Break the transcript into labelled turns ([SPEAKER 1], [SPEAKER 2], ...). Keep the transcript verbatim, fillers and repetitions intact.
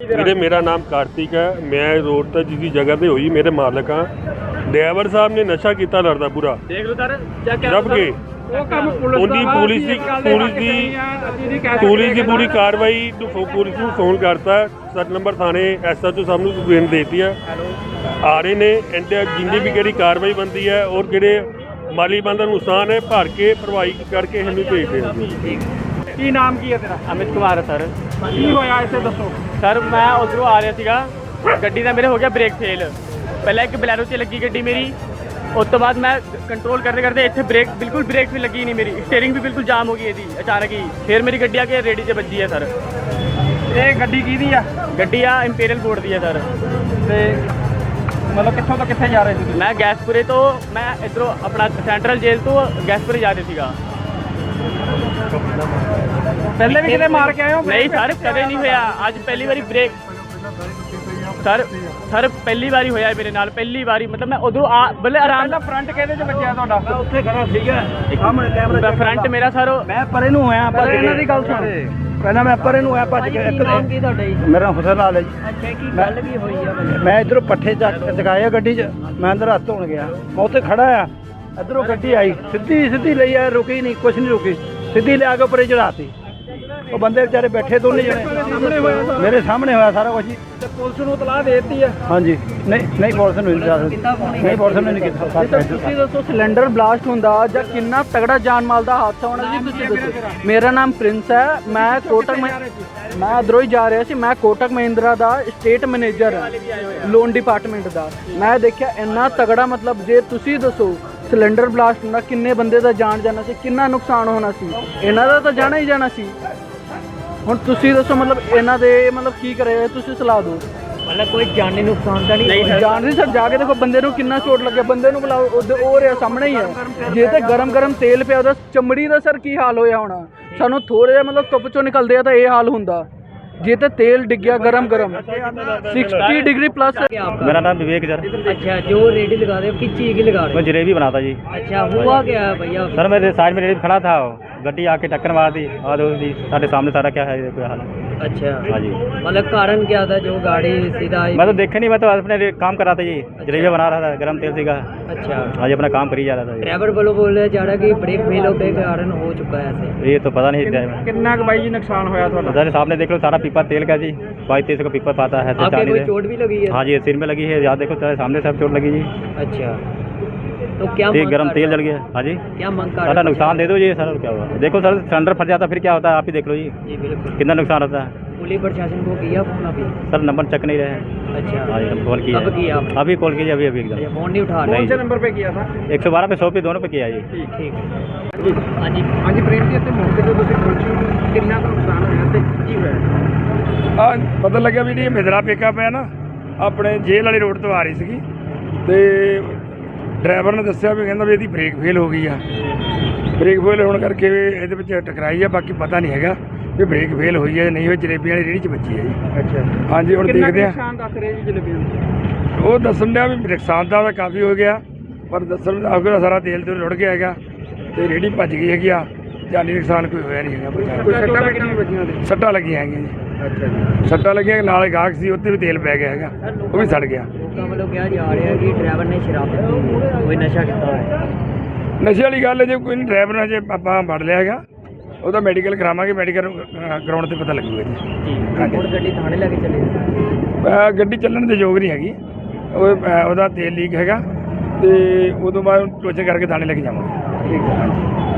[SPEAKER 1] ਵੀਰੇ ਮੇਰਾ ਨਾਮ ਕਾਰਤਿਕ ਹੈ। ਮੈਂ ਰੋਡ ਤੇ ਜਿਸ ਜਗ੍ਹਾ ਤੇ ਹੋਈ ਮੇਰੇ ਮਾਲਕ ਹਾਂ। ਡਰਾਈਵਰ ਸਾਹਿਬ ਨੇ ਨਸ਼ਾ ਕੀਤਾ ਲੜਦਾ ਪੂਰਾ ਦੇਖ ਲਓ ਸਰ ਚੈੱਕ ਰੱਬ ਕੇ ਉਹ ਕੰਮ ਪੁਲਿਸ ਦੀ ਪੁਲਿਸ ਦੀ ਪੁਲਿਸ ਦੀ ਪੁਲਿਸ ਦੀ ਪੂਰੀ ਕਾਰਵਾਈ ਪੁਲਿਸ ਨੂੰ ਫੋਨ ਕਰਤਾ। ਸੱਤ ਨੰਬਰ ਥਾਣੇ ਐਸ ਐਚ ਓ ਸਾਹਿਬ ਨੂੰ ਕੰਪਲੇਂਟ ਦੇਤੀ ਹੈ। ਆ ਰਹੇ ਨੇ ਇੰਡੀਆ ਜਿੰਨੀ ਵੀ ਕਿਹੜੀ ਕਾਰਵਾਈ ਬਣਦੀ ਹੈ ਔਰ ਜਿਹੜੇ ਮਾਲੀ ਬੰਦਾ ਨੁਕਸਾਨ ਹੈ ਭਰ ਕੇ ਭਰਵਾਈ ਕਰਕੇ ਇਹਨੂੰ ਭੇਜਦੇ ਹਾਂ।
[SPEAKER 2] ਕੀ ਨਾਮ ਕੀ ਹੈ ਤੇਰਾ?
[SPEAKER 3] ਅਮਿਤ ਕੁਮਾਰ ਸਰ।
[SPEAKER 2] ਕੀ ਹੋਇਆ ਇੱਥੇ ਦੱਸੋ।
[SPEAKER 3] ਸਰ ਮੈਂ ਉਧਰੋਂ ਆ ਰਿਹਾ ਸੀਗਾ, ਗੱਡੀ ਦਾ ਮੇਰੇ ਹੋ ਗਿਆ ਬ੍ਰੇਕ ਫੇਲ। ਪਹਿਲਾਂ ਇੱਕ ਬਲੈਰੋ 'ਚ ਲੱਗੀ ਗੱਡੀ ਮੇਰੀ, ਉਸ ਤੋਂ ਬਾਅਦ ਮੈਂ ਕੰਟਰੋਲ ਕਰਦੇ ਕਰਦੇ ਇੱਥੇ ਬ੍ਰੇਕ ਬਿਲਕੁਲ ਬ੍ਰੇਕ ਵੀ ਲੱਗੀ ਨਹੀਂ ਮੇਰੀ, ਸਟੀਅਰਿੰਗ ਵੀ ਬਿਲਕੁਲ ਜਾਮ ਹੋ ਗਈ ਇਹਦੀ ਅਚਾਨਕ ਹੀ। ਫਿਰ ਮੇਰੀ ਗੱਡੀ ਆ ਕੇ ਰੇੜੀ 'ਚ ਵੱਜੀ ਹੈ ਸਰ।
[SPEAKER 2] ਇਹ ਗੱਡੀ ਕਿਹਦੀ ਆ?
[SPEAKER 3] ਗੱਡੀ ਆ ਇੰਪੀਰੀਅਲ ਬੋਰਡ ਦੀ ਹੈ ਸਰ।
[SPEAKER 2] ਤੇ ਮਤਲਬ ਕਿੱਥੋਂ ਤੋਂ ਕਿੱਥੇ ਜਾ ਰਹੇ ਸੀ?
[SPEAKER 3] ਮੈਂ ਗੈਸਪੁਰੇ ਤੋਂ ਮੈਂ ਇੱਧਰੋਂ ਆਪਣਾ ਸੈਂਟਰਲ ਜੇਲ੍ਹ ਤੋਂ ਗੈਸਪੁਰੇ ਜਾ ਰਿਹਾ ਸੀਗਾ।
[SPEAKER 2] ਪਹਿਲੇ ਵੀ ਕਿਤੇ ਮਾਰ ਕੇ ਆਏ ਹੋ?
[SPEAKER 3] ਨਹੀਂ ਸਰ ਕਦੇ ਨਹੀਂ ਹੋਇਆ, ਅੱਜ ਪਹਿਲੀ ਵਾਰੀ ਬ੍ਰੇਕ ਸਰ ਸਰ ਪਹਿਲੀ ਵਾਰੀ ਹੋਇਆ ਮੇਰੇ ਨਾਲ, ਪਹਿਲੀ ਵਾਰੀ। ਮਤਲਬ ਮੈਂ ਉਧਰੋਂ ਆ ਬੱਲੇ ਆਰਾਮ ਨਾਲ
[SPEAKER 2] ਫਰੰਟ ਕਿਹਦੇ 'ਚ ਵੱਜਿਆ ਤੁਹਾਡਾ?
[SPEAKER 4] ਮੈਂ ਉੱਥੇ ਖੜਾ ਸੀਗਾ ਸਾਹਮਣੇ ਕੈਮਰਾ
[SPEAKER 3] ਫਰੰਟ ਮੇਰਾ ਸਰ।
[SPEAKER 4] ਮੈਂ ਪਰੇ ਨੂੰ ਹੋਇਆ ਭੱਜ ਕੇ।
[SPEAKER 2] ਇਹਨਾਂ ਦੀ ਗੱਲ ਸੁਣ।
[SPEAKER 4] ਪਹਿਲਾਂ ਮੈਂ ਪਰੇ ਨੂੰ ਹੋਇਆ ਭੱਜ ਕੇ। ਇੱਕ
[SPEAKER 3] ਨਾਮ ਕੀ ਤੁਹਾਡਾ ਜੀ?
[SPEAKER 4] ਮੇਰਾ ਹੁਸਨ ਲਾਲ ਹੈ ਜੀ।
[SPEAKER 3] ਅੱਛਾ ਕੀ ਗੱਲ ਕੀ ਹੋਈ ਆ?
[SPEAKER 4] ਮੈਂ ਇਧਰੋਂ ਪੱਠੇ ਚੱਕ ਚਕਾਏ ਗੱਡੀ 'ਚ, ਮੈਂ ਅੰਦਰ ਹੱਥ ਧੋਣ ਗਿਆ। ਮੈਂ ਉੱਥੇ ਖੜਾ ਆ, ਇਧਰੋਂ ਗੱਡੀ ਆਈ ਸਿੱਧੀ ਸਿੱਧੀ ਲਈ ਆ, ਰੁਕੀ ਨਹੀਂ, ਕੁਛ ਨਹੀਂ ਰੁਕੀ, ਸਿੱਧੀ ਲਿਆ ਕੇ ਉੱਪਰੇ ਚੜਾਤੀ। ਉਹ ਬੰਦੇ ਵਿਚਾਰੇ ਬੈਠੇ ਦੋਨੇ ਜਣੇ ਮੇਰੇ ਸਾਹਮਣੇ ਹੋਇਆ ਸਾਰਾ ਕੁਝ।
[SPEAKER 2] ਤੇ ਪੁਲਿਸ ਨੂੰ ਤਲਾਹ ਦੇ ਦਿੱਤੀ ਆ?
[SPEAKER 4] ਹਾਂਜੀ ਨਹੀਂ ਨਹੀਂ ਪੁਲਿਸ ਨੂੰ ਨਹੀਂ ਪੁਲਿਸ ਨੇ ਨਹੀਂ ਕੀਤਾ।
[SPEAKER 2] ਤੁਸੀਂ ਦੱਸੋ ਸਿਲੰਡਰ ਬਲਾਸਟ ਹੁੰਦਾ ਜਾਂ ਕਿੰਨਾ ਤਗੜਾ ਜਾਨ ਮਾਲ ਦਾ ਹਾਦਸਾ ਹੋਣਾ ਜੀ, ਤੁਸੀਂ ਦੱਸੋ। ਮੇਰਾ ਨਾਮ ਪ੍ਰਿੰਸ ਹੈ। ਮੈਂ ਕੋਟਕ ਮੈਂ ਇੱਧਰੋਂ ਹੀ ਜਾ ਰਿਹਾ ਸੀ। ਮੈਂ ਕੋਟਕ ਮਹਿੰਦਰਾ ਦਾ ਸਟੇਟ ਮੈਨੇਜਰ ਹਾਂ ਲੋਨ ਡਿਪਾਰਟਮੈਂਟ ਦਾ। ਮੈਂ ਦੇਖਿਆ ਇੰਨਾ ਤਗੜਾ, ਮਤਲਬ ਜੇ ਤੁਸੀਂ ਦੱਸੋ ਸਿਲੰਡਰ ਬਲਾਸਟ ਹੁੰਦਾ ਕਿੰਨੇ ਬੰਦੇ ਦਾ ਜਾਨ ਜਾਣਾ ਸੀ, ਕਿੰਨਾ ਨੁਕਸਾਨ ਹੋਣਾ ਸੀ। ਇਹਨਾਂ ਦਾ ਤਾਂ ਜਾਣਾ ਹੀ ਜਾਣਾ ਸੀ। ਹੁਣ ਤੁਸੀਂ ਦੱਸੋ ਮਤਲਬ ਇਹਨਾਂ ਦੇ ਮਤਲਬ ਕੀ ਕਰੇ, ਤੁਸੀਂ ਸਲਾਹ ਦਿਓ।
[SPEAKER 3] ਮਤਲਬ ਕੋਈ ਜਾਨੀ ਨੁਕਸਾਨ ਤਾਂ ਨਹੀਂ?
[SPEAKER 2] ਜਾਣ ਦੀ ਸਰ, ਜਾ ਕੇ ਦੇਖੋ ਬੰਦੇ ਨੂੰ ਕਿੰਨਾ ਚੋਟ ਲੱਗਿਆ। ਬੰਦੇ ਨੂੰ ਬੁਲਾਓ, ਉਹ ਰਿਹਾ ਸਾਹਮਣੇ ਹੀ ਹੈ। ਜੇ ਤੇ ਗਰਮ ਗਰਮ ਤੇਲ ਪਿਆ ਉਹਦਾ ਚਮੜੀ ਦਾ ਸਰ ਕੀ ਹਾਲ ਹੋਇਆ ਹੋਣਾ। ਸਾਨੂੰ ਥੋੜ੍ਹਾ ਜਿਹਾ ਮਤਲਬ ਧੁੱਪ ਚੋਂ ਨਿਕਲਦੇ ਆ ਤਾਂ ਇਹ ਹਾਲ ਹੁੰਦਾ। ਜੇ ਤੇ तेल डिग गया गरम गरम सिक्सटी डिग्री प्लस।
[SPEAKER 5] मेरा नाम विवेक सर।
[SPEAKER 3] अच्छा, जो रेडी लगा रहे हो किस चीज़ की लगा रहे हो?
[SPEAKER 5] मैं जलेबी बनाता जी।
[SPEAKER 3] अच्छा, हुआ क्या है भैया?
[SPEAKER 5] सर मेरे साइड में रेडी खड़ा था, गड्डी आके टक्कर मार दी और साढ़े सामने सारा क्या है कोई हाल।
[SPEAKER 3] अच्छा
[SPEAKER 5] हाँ जी।
[SPEAKER 3] मतलब कारण क्या था जो गाड़ी सीधा आई?
[SPEAKER 5] मैं तो देखे नहीं, मैं तो अपने काम कर रहा था जी, जलेबी बना रहा था गरम तेल से का।
[SPEAKER 3] अच्छा,
[SPEAKER 5] आज अपना काम कर ही जा रहा था।
[SPEAKER 3] ड्राइवर बोलो बोल रहे जा रहा कि ब्रेक फेल होने के कारण हो चुका है ऐसे।
[SPEAKER 5] ये तो पता नहीं ड्राइवर।
[SPEAKER 2] कितना का भाई जी नुकसान होया था?
[SPEAKER 5] सर सामने देख लो सारा पीपा तेल का जी, बाईस तेईस का पीपा पाता है।
[SPEAKER 3] आपके कोई चोट भी लगी है?
[SPEAKER 5] हाँ जी, सिर में लगी है। याद देखो सारे सामने सब चोट लगी जी।
[SPEAKER 3] अच्छा, तो क्या
[SPEAKER 5] गरम तेल जल गया। हाँ जी,
[SPEAKER 3] क्या मंग कर?
[SPEAKER 5] सारा नुकसान दे दो जी सर, क्या हुआ देखो सर, सिलेंडर फट जाता फिर क्या होता है आप ही देख लो जी।
[SPEAKER 3] जी बिल्कुल,
[SPEAKER 5] कितना नुकसान होता है।
[SPEAKER 3] पुलिस प्रशासन को किया फोन अभी?
[SPEAKER 5] सर नंबर चेक नहीं रहे हैं।
[SPEAKER 3] अच्छा,
[SPEAKER 5] हाँ जी, कॉल किया
[SPEAKER 3] कब किया आपने?
[SPEAKER 5] अभी कॉल कीजिए, अभी अभी एकदम
[SPEAKER 3] फोन नहीं उठा रहे?
[SPEAKER 2] कौन से नंबर पे किया था?
[SPEAKER 5] एक सौ बारह पे सौ पे दोनों पे किया जी।
[SPEAKER 3] ठीक ठीक हाँ जी।
[SPEAKER 2] हाँ जी प्रेम जी, ਇੱਥੇ ਮੌਕੇ ਤੇ ਤੁਸੀਂ ਪਹੁੰਚੇ, ਕਿੰਨਾ ਕੁ ਨੁਕਸਾਨ ਹੋਇਆ ਤੇ ਕੀ ਹੋਇਆ?
[SPEAKER 6] ਆ ਪਤਾ ਲੱਗਿਆ ਵੀ ਜਿਹੜੀ ਮਿਦਰਾ ਪਿਕਅਪ ਹੈ ਨਾ ਆਪਣੇ ਜੇਲ੍ਹ ਵਾਲੀ ਰੋਡ ਤੋਂ ਆ ਰਹੀ ਸੀਗੀ ਤੇ ਡਰਾਈਵਰ ਨੇ ਦੱਸਿਆ ਵੀ ਕਹਿੰਦਾ ਵੀ ਇਹਦੀ ਬ੍ਰੇਕ ਫੇਲ ਹੋ ਗਈ ਆ। ਬ੍ਰੇਕ ਫੇਲ ਹੋਣ ਕਰਕੇ ਇਹਦੇ ਵਿੱਚ ਟਕਰਾਈ ਆ, ਬਾਕੀ ਪਤਾ ਨਹੀਂ ਹੈਗਾ ਵੀ ਬ੍ਰੇਕ ਫੇਲ ਹੋਈ ਹੈ ਨਹੀਂ ਹੋਈ। ਜਲੇਬੀ ਵਾਲੀ ਰੇਹੜੀ 'ਚ ਵੱਜੀ ਹੈ ਜੀ।
[SPEAKER 2] ਅੱਛਾ
[SPEAKER 6] ਹਾਂਜੀ, ਹੁਣ ਦੇਖਦੇ ਆ।
[SPEAKER 2] ਨੁਕਸਾਨ ਦੱਸ ਰਹੇ ਜੀ ਜਲੇਬੀਆਂ ਦਾ?
[SPEAKER 6] ਉਹ ਦੱਸਣ ਡਿਆ ਵੀ ਨੁਕਸਾਨ ਤਾਂ ਕਾਫੀ ਹੋ ਗਿਆ, ਪਰ ਦੱਸਣ ਦਾ ਸਾਰਾ ਤੇਲ ਤੇ ਰੁੜ ਗਿਆ ਹੈਗਾ ਤੇ ਰੇਹੜੀ ਭੱਜ ਗਈ ਹੈਗੀ ਆ। ਜਾਨੀ ਨੁਕਸਾਨ ਕੋਈ ਹੋਇਆ ਨਹੀਂ ਹੈਗਾ।
[SPEAKER 2] ਕੋਈ ਸੱਟਾਂ ਲੱਗੀਆਂ ਨਹੀਂ ਵੱਜੀਆਂ ਤੇ?
[SPEAKER 6] ਸੱਟਾਂ ਲੱਗੀਆਂ ਹੈਗੀਆਂ ਜੀ।
[SPEAKER 2] ਅੱਛਾ ਜੀ।
[SPEAKER 6] ਸੱਟਾਂ ਲੱਗੀਆਂ, ਨਾਲ ਗਾਹਕ ਸੀ ਉੱਤੇ ਵੀ ਤੇਲ ਪੈ ਗਿਆ ਹੈਗਾ, ਉਹ ਵੀ ਸੜ ਗਿਆ।
[SPEAKER 3] ਲੋਕਾਂ ਵੱਲੋਂ ਕਿਹਾ ਜਾ ਰਿਹਾ ਕਿ ਡਰਾਈਵਰ ਨੇ ਸ਼ਰਾਬ ਪੀਤੀ, ਕੋਈ ਨਸ਼ਾ ਕੀਤਾ ਹੋਇਆ।
[SPEAKER 6] ਨਸ਼ੇ ਵਾਲੀ ਗੱਲ ਹੈ, ਜੇ ਕੋਈ ਨਹੀਂ ਡਰਾਈਵਰ ਨੇ ਜੇ ਆਪਾਂ ਫੜ ਲਿਆ ਹੈਗਾ ਉਹਦਾ ਮੈਡੀਕਲ ਕਰਾਵਾਂਗੇ, ਮੈਡੀਕਲ ਕਰਾਉਣ ਤੇ ਪਤਾ ਲੱਗੂਗਾ ਜੀ। ਹਾਂਜੀ,
[SPEAKER 3] ਹੁਣ ਗੱਡੀ ਥਾਣੇ ਲੈ ਕੇ ਚਲੇ?
[SPEAKER 6] ਅਹ ਗੱਡੀ ਚੱਲਣ ਦੇ ਯੋਗ ਨਹੀਂ ਹੈਗੀ, ਉਹ ਅਹ ਉਹਦਾ ਤੇਲ ਲੀਕ ਹੈਗਾ ਤੇ ਉਦੋਂ ਬਾਅਦ ਟੋਚਨ ਕਰਕੇ ਥਾਣੇ ਲੈ ਕੇ ਜਾਵਾਂਗੇ।
[SPEAKER 2] ਠੀਕ ਹੈ।